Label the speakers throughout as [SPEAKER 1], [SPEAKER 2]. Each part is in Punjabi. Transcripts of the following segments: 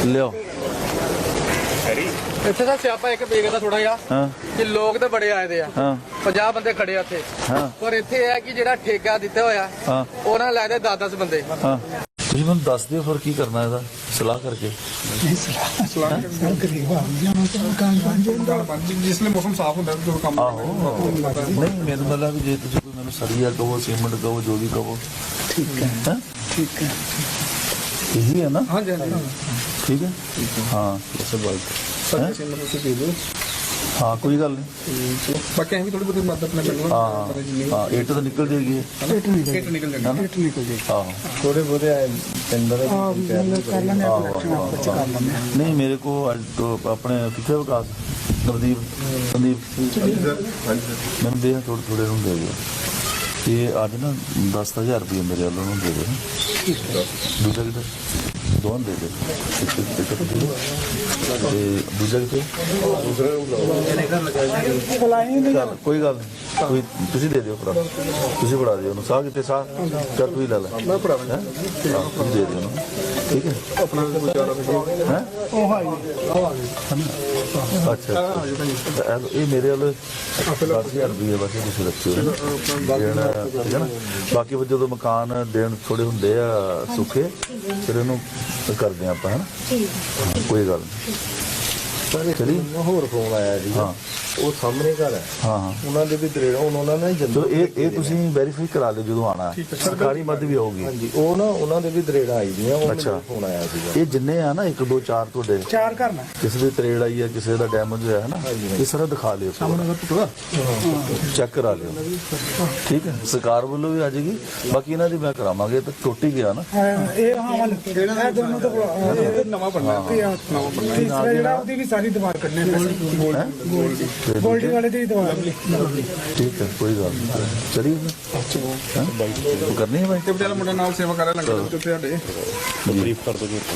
[SPEAKER 1] ਲਿਓ
[SPEAKER 2] ਇੱਥੇ ਦਾ ਸਿਆਪਾ ਇੱਕ ਵੇਖਦਾ ਥੋੜਾ ਜਿਹਾ
[SPEAKER 1] ਹਾਂ
[SPEAKER 2] ਕਿ ਲੋਕ ਤੇ ਬੜੇ ਆਏ ਦੇ ਆ
[SPEAKER 1] ਹਾਂ
[SPEAKER 2] 50 ਬੰਦੇ ਖੜੇ ਆ ਇੱਥੇ
[SPEAKER 1] ਹਾਂ
[SPEAKER 2] ਪਰ ਇੱਥੇ ਇਹ ਹੈ ਕਿ ਜਿਹੜਾ ਠੇਕਾ ਦਿੱਤਾ ਹੋਇਆ
[SPEAKER 1] ਹਾਂ
[SPEAKER 2] ਉਹਨਾਂ ਲੈ ਦੇ 10-10 ਬੰਦੇ
[SPEAKER 1] ਹਾਂ ਤੁਸੀਂ ਮੈਨੂੰ ਦੱਸ ਦਿਓ ਫਿਰ ਕੀ ਕਰਨਾ ਇਹਦਾ ਸਲਾਹ ਕਰਕੇ
[SPEAKER 3] ਜਿਸਲੇ ਮੌਸਮ ਸਾਫ ਹੁੰਦਾ ਜੋ ਕੰਮ
[SPEAKER 1] ਆਹੋ ਨਹੀਂ ਮੈਨੂੰ ਮਤਲਬ ਜੇ ਤੁਸੀਂ ਕੋਈ ਮੈਨੂੰ ਸਰੀਆ ਕਹੋ ਸੀਮੈਂਟ ਕਹੋ ਜੋ ਵੀ ਕਹੋ
[SPEAKER 3] ਠੀਕ ਹੈ ਠੀਕ ਹੈ
[SPEAKER 1] ਇਹੀ ਹੈ ਨਾ
[SPEAKER 3] ਹਾਂਜੀ ਹਾਂਜੀ
[SPEAKER 1] ਠੀਕ ਹੈ ਹਾਂ
[SPEAKER 3] ਸਰ ਕਿਸੇ ਨੂੰ ਤੁਸੀਂ ਦੇ ਦਿਓ
[SPEAKER 1] ਹਾਂ ਕੋਈ ਗੱਲ ਨਹੀਂ
[SPEAKER 3] ਬਾਕੀ ਅਸੀਂ ਵੀ ਥੋੜੀ ਬਹੁਤੀ ਮਦਦ ਆਪਣੇ ਪਿੰਡ
[SPEAKER 1] ਹਾਂ ਹਾਂ ਇੱਟ ਤਾਂ ਨਿਕਲ ਜਾਏਗੀ
[SPEAKER 3] ਇੱਟ ਨਿਕਲ ਜਾਣਾ ਇੱਟ ਨਿਕਲ ਜਾਏ
[SPEAKER 1] ਆਹੋ
[SPEAKER 4] ਥੋੜੇ ਬਹੁਤੇ ਟੈਂਡਰ
[SPEAKER 3] ਕਰ ਲੈਣੇ
[SPEAKER 1] ਨਹੀਂ ਮੇਰੇ ਕੋ ਆਪਣੇ ਕਿੱਥੇ ਵਿਕਾਸ ਨਵਦੀਪ ਸੰਦੀਪ ਮੈਨੂੰ ਦੇ ਥੋੜੇ ਥੋੜੇ ਨੂੰ ਦੇ ਦਿਓ ਇਹ ਅੱਜ ਨਾ 10,000 ਰੁਪਏ ਮੇਰੇ ਵੱਲੋਂ ਨੂੰ ਦੇ ਦਿਓ ਦੂਜਾ ਕਿਤੇ ਦੋਨ ਦੇ ਦੇ ਦੂਜਾ ਕਿਤੇ ਚੱਲ ਕੋਈ ਗੱਲ ਨਹੀਂ ਕੋਈ ਤੁਸੀਂ ਦੇ ਦਿਓ ਭਰਾ ਤੁਸੀਂ ਫੜਾ ਦਿਓ ਉਹਨੂੰ ਸਾਹ ਕਿਤੇ ਸਾਹ ਚੱਲ ਤੁਸੀਂ ਲੈ ਲੈ
[SPEAKER 3] ਮੈਂ ਪੜਾ
[SPEAKER 1] ਹੈਂ? ਹਾਂ, ਤੁਸੀਂ ਦੇ ਦਿਓ ਉਹਨੂੰ ਠੀਕ ਹੈ
[SPEAKER 3] ਆਪਣਾ ਗੁਜ਼ਾਰਾ
[SPEAKER 1] ਹੈ
[SPEAKER 3] ਉਹ ਹਾਈ
[SPEAKER 1] ਅੱਛਾ ਇਹ ਮੇਰੇ ਵੱਲ 10,000 ਰੁਪਏ ਬਸ ਤੁਸੀਂ ਰੱਖਿਓ ਦੇਣਾ ਠੀਕ ਹੈ ਨਾ ਬਾਕੀ ਜਦੋਂ ਮਕਾਨ ਦੇਣ ਥੋੜੇ ਹੁੰਦੇ ਆ ਸੁੱਖੇ ਫਿਰ ਇਹਨੂੰ ਕਰਦੇ ਆਪਾਂ ਹੈ ਨਾ ਕੋਈ ਗੱਲ ਨਹੀਂ ਚਲੀ
[SPEAKER 4] ਹੋਰ ਫੋਨ ਆਇਆ ਜੀ
[SPEAKER 1] ਹਾਂ
[SPEAKER 4] ਉਹ ਸਾਹਮਣੇ ਘਰ ਹੈ
[SPEAKER 1] ਹਾਂ ਹਾਂ
[SPEAKER 4] ਉਹਨਾਂ ਦੇ ਵੀ ਦਰੇੜਾ ਉਹਨਾਂ ਨੇ
[SPEAKER 1] ਚਲੋ ਇਹ ਤੁਸੀਂ ਵੈਰੀਫਾਈ ਕਰਾ ਲਿਓ ਜਦੋਂ ਆਣਾ ਸਰਕਾਰੀ ਮਦਦ ਵੀ ਆਊਗੀ
[SPEAKER 4] ਹਾਂਜੀ ਉਹ ਨਾ ਉਹਨਾਂ ਦੇ ਵੀ ਦਰੇੜਾ ਆਈ ਦੀਆਂ ਉਹ
[SPEAKER 1] ਅੱਛਾ।
[SPEAKER 4] ਫੋਨ ਆਇਆ ਸੀਗਾ
[SPEAKER 1] ਇਹ ਜਿੰਨੇ ਆ ਨਾ 1 2 4 ਤੁਹਾਡੇ
[SPEAKER 3] 4 ਕਰਨਾ
[SPEAKER 1] ਕਿਸੇ ਦੇ ਤਰੇੜ ਆਈ ਹੈ ਕਿਸੇ ਦਾ ਡੈਮੇਜ ਹੋਇਆ ਹੈ ਨਾ ਇਹ ਸਾਰਾ ਦਿਖਾ ਲਿਓ ਚੈੱਕ ਕਰਾ ਲਿਓ ਠੀਕ ਹੈ ਸਰਕਾਰ ਵੱਲੋਂ ਵੀ ਆ ਜਾਏਗੀ ਬਾਕੀ ਇਹਨਾਂ ਦੀ ਮੈਂ ਕਰਾਵਾਂਗੇ ਤਾਂ ਟੁੱਟ ਹੀ ਗਿਆ ਨਾ
[SPEAKER 3] ਇਹ ਹਾਂ ਵਾਲ ਇਹ ਦੋਨੋਂ ਤਾਂ ਨਵਾਂ ਬਣਨਾ ਨਵਾਂ ਬਣਨਾ ਤੀਸਰਾ ਜਿਹੜਾ ਉਹਦੀ ਵੀ ਸਾਰੀ ਦੀਵਾਰ ਕੱਢਣੀ ਹੈ ਗੋਲਡੀ ਵਾਲੇ ਦੀ ਦੀਵਾਰ
[SPEAKER 1] ਠੀਕ ਹੈ ਕੋਈ ਗੱਲ ਨਹੀਂ ਚਲੀਏ ਤੂੰ ਕਰਨੀ ਹੈ ਭਾਈ
[SPEAKER 3] ਤੇ ਬਟਾਲਾ ਮੁੰਡਾ ਨਾਲ ਸੇਵਾ ਕਰ ਰਿਹਾ ਲੰਗਰ ਦੇ ਉੱਤੇ ਸਾਡੇ
[SPEAKER 1] ਬਰੀਫ ਕਰ ਦੋ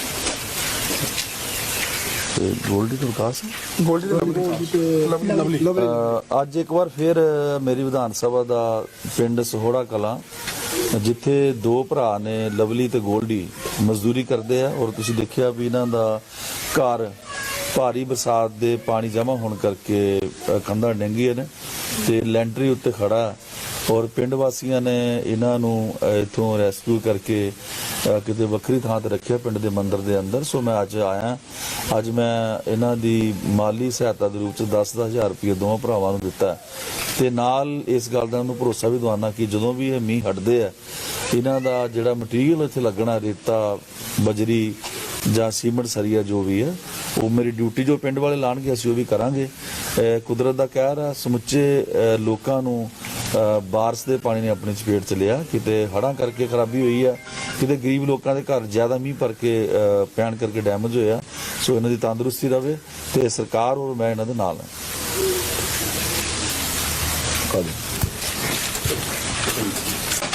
[SPEAKER 1] ਤੇ ਗੋਲਡੀ ਤੋਂ ਵਿਕਾਸ
[SPEAKER 3] ਗੋਲਡੀ ਤੇ ਲਵਲੀ
[SPEAKER 1] ਅੱਜ ਇੱਕ ਵਾਰ ਫਿਰ ਮੇਰੀ ਵਿਧਾਨ ਸਭਾ ਦਾ ਪਿੰਡ ਸਹੋੜਾ ਕਲਾਂ ਜਿੱਥੇ 2 ਭਰਾ ਨੇ ਲਵਲੀ ਤੇ ਗੋਲਡੀ ਮਜ਼ਦੂਰੀ ਕਰਦੇ ਆ ਔਰ ਤੁਸੀਂ ਦੇਖਿਆ ਵੀ ਇਹਨਾਂ ਦਾ ਘਰ ਭਾਰੀ ਬਰਸਾਤ ਦੇ ਪਾਣੀ ਜਮ੍ਹਾਂ ਹੋਣ ਕਰਕੇ ਕੰਧਾਂ ਡਿੱਗੀਆਂ ਨੇ ਤੇ ਲੈਂਟਰੀ ਉੱਤੇ ਖੜਾ ਔਰ ਪਿੰਡ ਵਾਸੀਆਂ ਨੇ ਇਹਨਾਂ ਨੂੰ ਇਥੋਂ ਰੈਸਕਿਊ ਕਰਕੇ ਕਿਤੇ ਵੱਖਰੀ ਥਾਂ ਤੇ ਰੱਖਿਆ ਪਿੰਡ ਦੇ ਮੰਦਿਰ ਦੇ ਅੰਦਰ ਸੋ ਮੈਂ ਅੱਜ ਆਇਆ ਅੱਜ ਮੈਂ ਇਹਨਾਂ ਦੀ ਮਾਲੀ ਸਹਾਇਤਾ ਦੇ ਰੂਪ ਚ 10,000 ਰੁਪਏ ਦੋਵਾਂ ਭਰਾਵਾਂ ਨੂੰ ਦਿੱਤਾ ਤੇ ਨਾਲ ਇਸ ਗੱਲ ਦਾ ਉਹਨੂੰ ਭਰੋਸਾ ਵੀ ਦਵਾਨਾ ਕਿ ਜਦੋਂ ਵੀ ਇਹ ਮੀਂਹ ਹਟਦੇ ਆ ਇਹਨਾਂ ਦਾ ਜਿਹੜਾ ਮਟੀਰੀਅਲ ਇੱਥੇ ਲੱਗਣਾ ਰੇਤਾ ਬਜਰੀ ਜਾਂ ਸੀਮੈਂਟ ਸਰੀਆ ਜੋ ਵੀ ਹੈ ਉਹ ਮੇਰੀ ਡਿਊਟੀ ਜੋ ਪਿੰਡ ਵਾਲੇ ਲਾਣਗੇ ਅਸੀਂ ਉਹ ਵੀ ਕਰਾਂਗੇ ਕੁਦਰਤ ਦਾ ਕਹਿਰ ਆ ਸਮੁੱਚੇ ਲੋਕਾਂ ਨੂੰ ਬਾਰਿਸ਼ ਦੇ ਪਾਣੀ ਨੇ ਆਪਣੀ ਚਪੇਟ ਚ ਲਿਆ ਕਿਤੇ ਹੜ੍ਹਾਂ ਕਰਕੇ ਖਰਾਬੀ ਹੋਈ ਆ ਕਿਤੇ ਗਰੀਬ ਲੋਕਾਂ ਦੇ ਘਰ ਜ਼ਿਆਦਾ ਮੀਂਹ ਭਰ ਕੇ ਪੈਣ ਕਰਕੇ ਡੈਮੇਜ ਹੋਇਆ ਸੋ ਇਹਨਾਂ ਦੀ ਤੰਦਰੁਸਤੀ ਰਵੇ ਤੇ ਸਰਕਾਰ ਔਰ ਮੈਂ ਇਹਨਾਂ ਦੇ ਨਾਲ ਹਾਂ